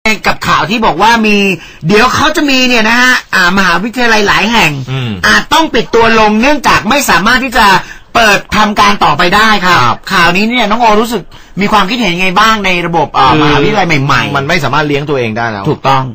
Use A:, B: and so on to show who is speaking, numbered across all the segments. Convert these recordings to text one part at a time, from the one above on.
A: กับข่าวที่บอกว่ามีเดี๋ยวเขาจะมีเนี่ยนะฮะมหาวิทยาลัยหลายแห่งอาจต้องปิดตัวลงเนื่องจากไม่สามารถที่จะเปิดทำการต่อไปได้ครับข่าวนี้เนี่ยน้องโอรู้สึกมีความคิดเห็นยังไงบ้างในระบบมหาวิทยาลัยใหม่ๆมันไม่สามารถเลี้ยงตัวเองได้แล้วถูกต้อง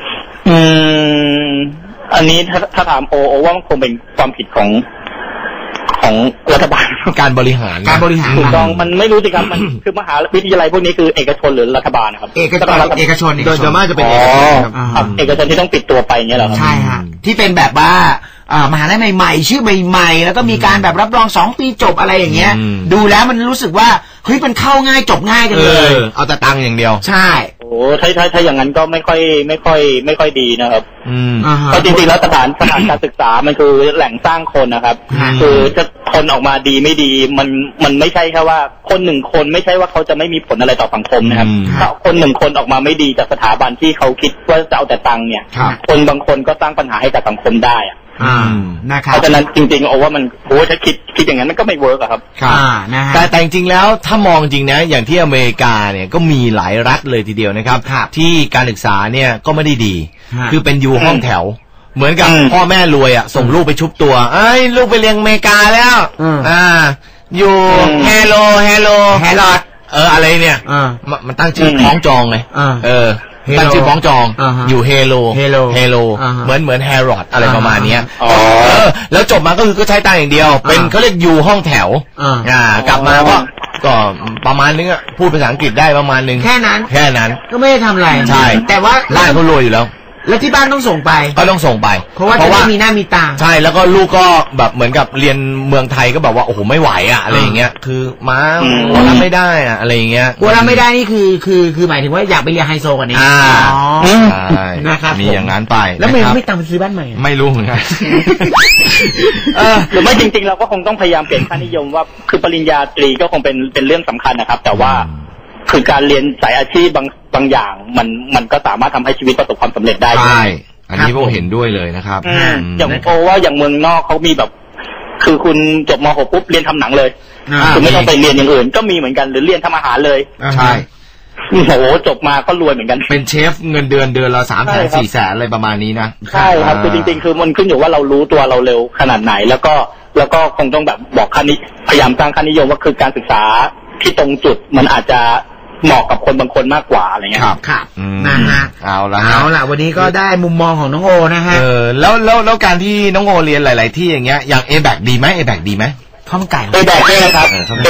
B: อันนี้ถ้าถามโอว่ามันคงเป็นความผิดของรัฐบาล
A: การบริหาร
B: ถูกต้องมันไม่รู้สิครับมันคือมหาวิทยาลัยพวกนี้คือเอกชนหรือรัฐบาลนะครับ
A: เอกชนโดยส่วนมากจะเป็น
B: เอกชนที่ต้องปิดตัวไปเนี่ยเหรอ
A: ใช่ฮะที่เป็นแบบว่ามหาลัยใหม่ๆชื่อใหม่ๆแล้วก็มีการแบบรับรอง2 ปีจบอะไรอย่างเงี้ยดูแล้วมันรู้สึกว่าเฮ้ยมันเข้าง่ายจบง่ายกันเลยเอาแต่ตังค์อย่างเดียวใช่
B: โอ้ถ้าอย่างนั้นก็ไม่ค่อยดีนะครับเพราะจริงๆแล้วสถานการศึกษามันคือแหล่งสร้างคนนะครับคือจะคนออกมาดีไม่ดีมันไม่ใช่แค่ว่าคน1 คนไม่ใช่ว่าเขาจะไม่มีผลอะไรต่อสังคมนะครับถ้าคน1 คนออกมาไม่ดีจากสถาบันที่เขาคิดว่าจะเอาแต่ตังค์เนี่ยคนบางคนก็สร้างปัญหาให้กับสังคมได้
A: นะครับ
B: เพราะฉะนั้นจริงๆว่ามันถ้าคิดอย่างนั้นมันก็ไม่เวิร์กครับ
A: แต่จริงๆแล้วถ้ามองจริงนะอย่างที่อเมริกาเนี่ยก็มีหลายรัฐเลยทีเดียวนะครับที่การศึกษาเนี่ยก็ไม่ได้ดีคือเป็นอยู่ห้องแถวเหมือนกับพ่อแม่รวยส่งลูกไปชุบตัวลูกไปเรียนอเมริกาแล้วอยู่เฮโลอะไรเนี่ยมันตั้งชื่อคล้องจองเลยตั้งชื่อคล้องจองอยู่เฮโลเหมือนแฮร์รอดอะไรประมาณนี้แล้วจบมาก็คือก็ใช้ตังค์อย่างเดียวเป็นเขาเรียกอยู่ห้องแถวกลับมาก็ประมาณนึงพูดภาษาอังกฤษได้ประมาณนึงแค่นั้นก็ไม่ได้ทำอะไรใช่แต่ว่าบ้านเขารวยอยู่แล้วแล้วที่บ้านต้องส่งไปก็ต้องส่งไปเพราะว่าจะได้มีหน้ามีตาใช่แล้วก็ลูกก็แบบเหมือนกับเรียนเมืองไทยก็แบบว่าโอ้โหไม่ไหวอะไรอย่างเงี้ยคือม้ารับไม่ได้อะไรอย่างเงี้ยรับไม่ได้นี่คือหมายถึงว่าอยากไปเรียนไฮโซกว่านี้นะครับมีอย่างนั้นไปแล้วไม่ตามไปซื้อบ้านใหม่ไม่รู้เหมือนกัน
B: หรือไม่จริงๆเราก็คงต้องพยายามเปลี่ยนค่านิยมว่าคือปริญญาตรีก็คงเป็นเรื่องสำคัญนะครับแต่ว่าคือการเรียนสายอาชีพบางอย่างมันก็สามารถทำให้ชีวิตประสบความสำเร็จได้
A: ใช่อันนี้ผมเห็นด้วยเลยนะครับ
B: อย่างโอว่าอย่างเมืองนอกเขามีแบบคือคุณจบม.6 ปุ๊บเรียนทำหนังเลยคุณไม่ต้องไปเรียนอย่างอื่นก็มีเหมือนกันหรือเรียนทำอาหารเลย
A: ใช่
B: โอ้โหจบมาก็รวยเหมือนกัน
A: เป็นเชฟเงินเดือนละ300,000 400,000อะไรประมาณนี้นะ
B: ใช่ครับคือจริงๆคือมันขึ้นอยู่ว่าเรารู้ตัวเราเร็วขนาดไหนแล้วก็คงต้องแบบบอกพยายามสร้างค่านิยมว่าคือการศึกษาที่ตรงจุดมันอาจจะเหมาะกับคนบางคนมากกว่าอะไรเงี้ย
A: ครับนะฮะเอาละวันนี้ก็ได้มุมมองของน้องโอนะฮะแล้วการที่น้องโอเรียนหลายๆที่อย่างเงี้ยอย่าง A-BAC ดีไหม A-BAC ดีไหมข้าวมันไก่
B: A-BAC ใช่ครับ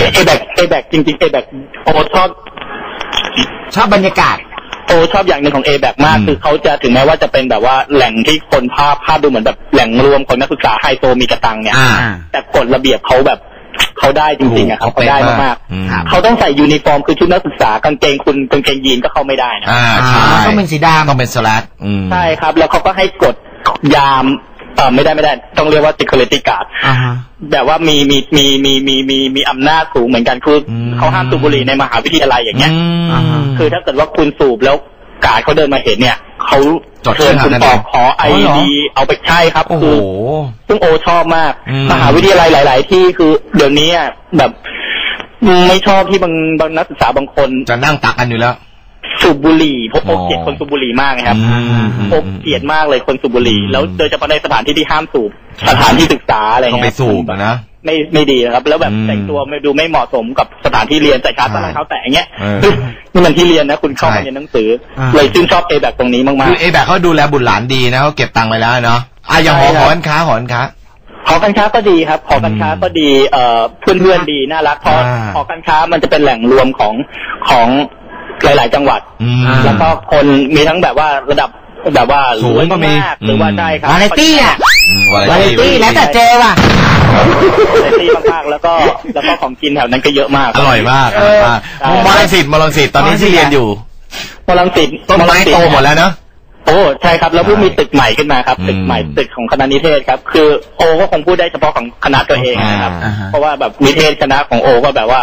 B: A-BAC จริงๆ A-BAC โอชอบบรรยากาศโอชอบอย่างหนึ่งของ A-BAC มากคือเขาจะถึงแม้ว่าจะเป็นแบบว่าแหล่งที่คนภาพดูเหมือนแบบแหล่งรวมคนนักศึกษาไฮโซมีกระตังเนี่ยแต่กฎระเบียบเขาแบบเขาได้จริงๆครับเขาได้มากๆเขาต้องใส่ยูนิฟอร์มคือชุดนักศึกษากางเกงยีนก็เข้าไม่ได้นะ
A: ต้องเป็นสีดำต้องเป็นสแลก
B: ใช่ครับแล้วเขาก็ให้กฎยามไม่ได้ต้องเรียกว่า security guard แบบว่ามีอำนาจสูงเหมือนกันคือเขาห้ามสูบบุหรี่ในมหาวิทยาลัยอย่างเงี้ยคือถ้าเกิดว่าคุณสูบแล้วการ์ดเขาเดินมาเห็นเนี่ยเขาเชิญคุณออกขอ ID เอาไปใช่ครับคือซึ่งโอชอบมากมหาวิทยาลัยหลายๆที่คือเดี๋ยวนี้แบบไม่ชอบที่บางนักศึกษาบางคน
A: จะนั่งตักกันอยู่แล้ว
B: สูบบุหรี่เพราะโอเกลียดคนสูบบุหรี่มากนะครับโอเกลียดมากเลยคนสูบบุหรี่แล้วโดยเฉพาะในสถานที่ที่ห้ามสูบสถานที่ศึกษาอะไรเงี้ย
A: ก็ไปสูบนะ
B: ไม่ดีนะครับแล้วแบบแต่งตัวไม่เหมาะสมกับสถานที่เรียนใส่ขาสั้นรองเท้าแตะอย่างเงี้ยนี่มันที่เรียนนะคุณเข้ามาเรียนหนังสือเลยชื่นชอบ A-BAC ตรงนี้มากๆ
A: คือ A-BAC เขาดูแลบุตรหลานดีนะเขาเก็บตังค์ไว้แล้วเนาะอย่างหอการค้า
B: ก็ดีครับหอการค้าก็ดีเพื่อนดีน่ารักเพราะหอการค้ามันจะเป็นแหล่งรวมของหลายๆจังหวัดแล้วก็คนมีทั้งแบบว่าระดับแบบว่า
A: สูงก็มี
B: หรือว่าได้ครับ
A: วาไรตี้วาไรตี้แล้วแต่เจว่ะ
B: วาไรตี้มากๆแล้วก็ของกินแถวนั้นก็เยอะมาก
A: อร่อยมากมอลังสิตตอนนี้ที่เรียนอยู่
B: มอลังสิต
A: ต้นไม้โตหมดแล้วเนาะ
B: โอ้ใช่ครับแล้วเพิ่งมีตึกใหม่ขึ้นมาครับตึกใหม่ตึกของคณะนิเทศครับคือโอก็คงพูดได้เฉพาะของคณะตัวเองนะครับเพราะว่าแบบนิเทศคณะของโอก็แบบว่า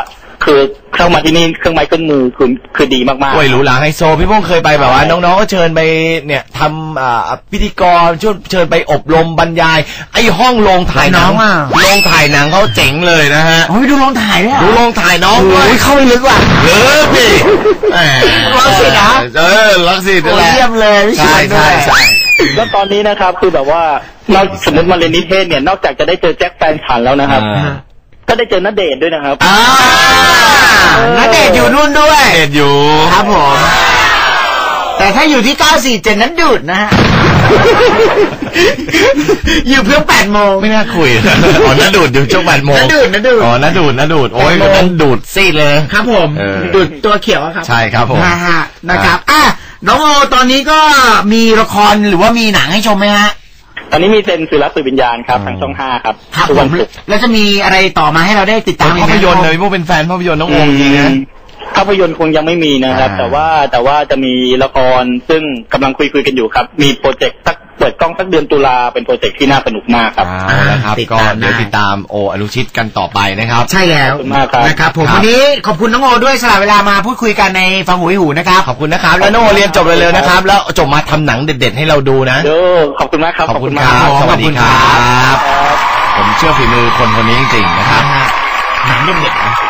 B: คือเข้ามาที่นี่เครื่องไม้เครื่องมือคือดีมากๆ
A: โอ้ยหรูหราไฮโซพี่พงษ์เคยไปแบบว่าน้องๆก็เชิญไปเนี่ยทำพิธีกรเชิญไปอบรมบรรยายไอ้ห้องโรงถ่ายหนังโรงถ่ายหนังเขาเจ๋งเลยนะฮะ
C: โอ้ยดูโรงถ่ายด้วย
A: ดูโรงถ่ายน้องด้วย
C: เข้าไปลึกว่ะ
A: ลึกดิ
C: รังสิตนะ
A: รังสิตนั่นแหละ
C: เยี่ยมเลย
A: ใช่
B: แล้วตอนนี้นะครับคือแบบว่าเราสมมติมาเรียนนิเทศเนี่ยนอกจากจะได้เจอแจ็คแฟนฉันแล้วนะครับก็ได้เจอณเดชน์ด้วยนะครับ
C: ณเดชน์อยู่นู่นด้วย
A: ณเดชน์อยู่
C: ครับผมแต่ถ้าอยู่ที่947นั้นดูดนะฮะอยู่เพื่อ8 โมง
A: ไม่น่าคุยอ๋อนั่นดูดอยู่ช่วง8 โมง
C: นั่นดูด
A: อ๋อนั่นดูดโอ้ยนั่นดูดซีดเลย
C: ครับผมดูดตัวเขียวครับ
A: ใช่ครับผม
C: นะครับน้องโอตอนนี้ก็มีละครหรือว่ามีหนังให้ชมไหมฮะ
B: ตอนนี้มีเซนสื่อรักสื่อวิญญาณครับทางช่อง5ครับ
C: ครับผมแล้วจะมีอะไรต่อมาให้เราได้ติดตาม
A: ภาพยนตร์เลยพวกเป็นแฟนภาพยนตร์น้องโอจริงนะ
B: ภาพยนตร์คงยังไม่มีนะครับแต่ว่าจะมีละครซึ่งกำลังคุยกันอยู่ครับมีโปรเจกต์เปิดกล้องสักเดือนตุลาเป็นโปรเจกต์ที่น่าสนุกมากครับ
A: นะครับก็เดี๋ยวติดตามโออนุชิตกันต่อไปนะครับ
C: ใช่แล้วนะครับผมวันนี้ขอบคุณน้องโอด้วยสละเวลามาพูดคุยกันในฟังหูให้หูนะครับ
A: ขอบคุณนะครับแล้วน้องโอเรียนจบเร็วๆนะครับแล้วจบมาทำหนังเด็ดๆให้เราดูนะ
B: ขอบคุณมากครับ
A: ขอบคุณครับสวัสดีครับผมเชื่อฝีมือคนนี้จริงๆนะครับ
C: หนังเด็ดๆ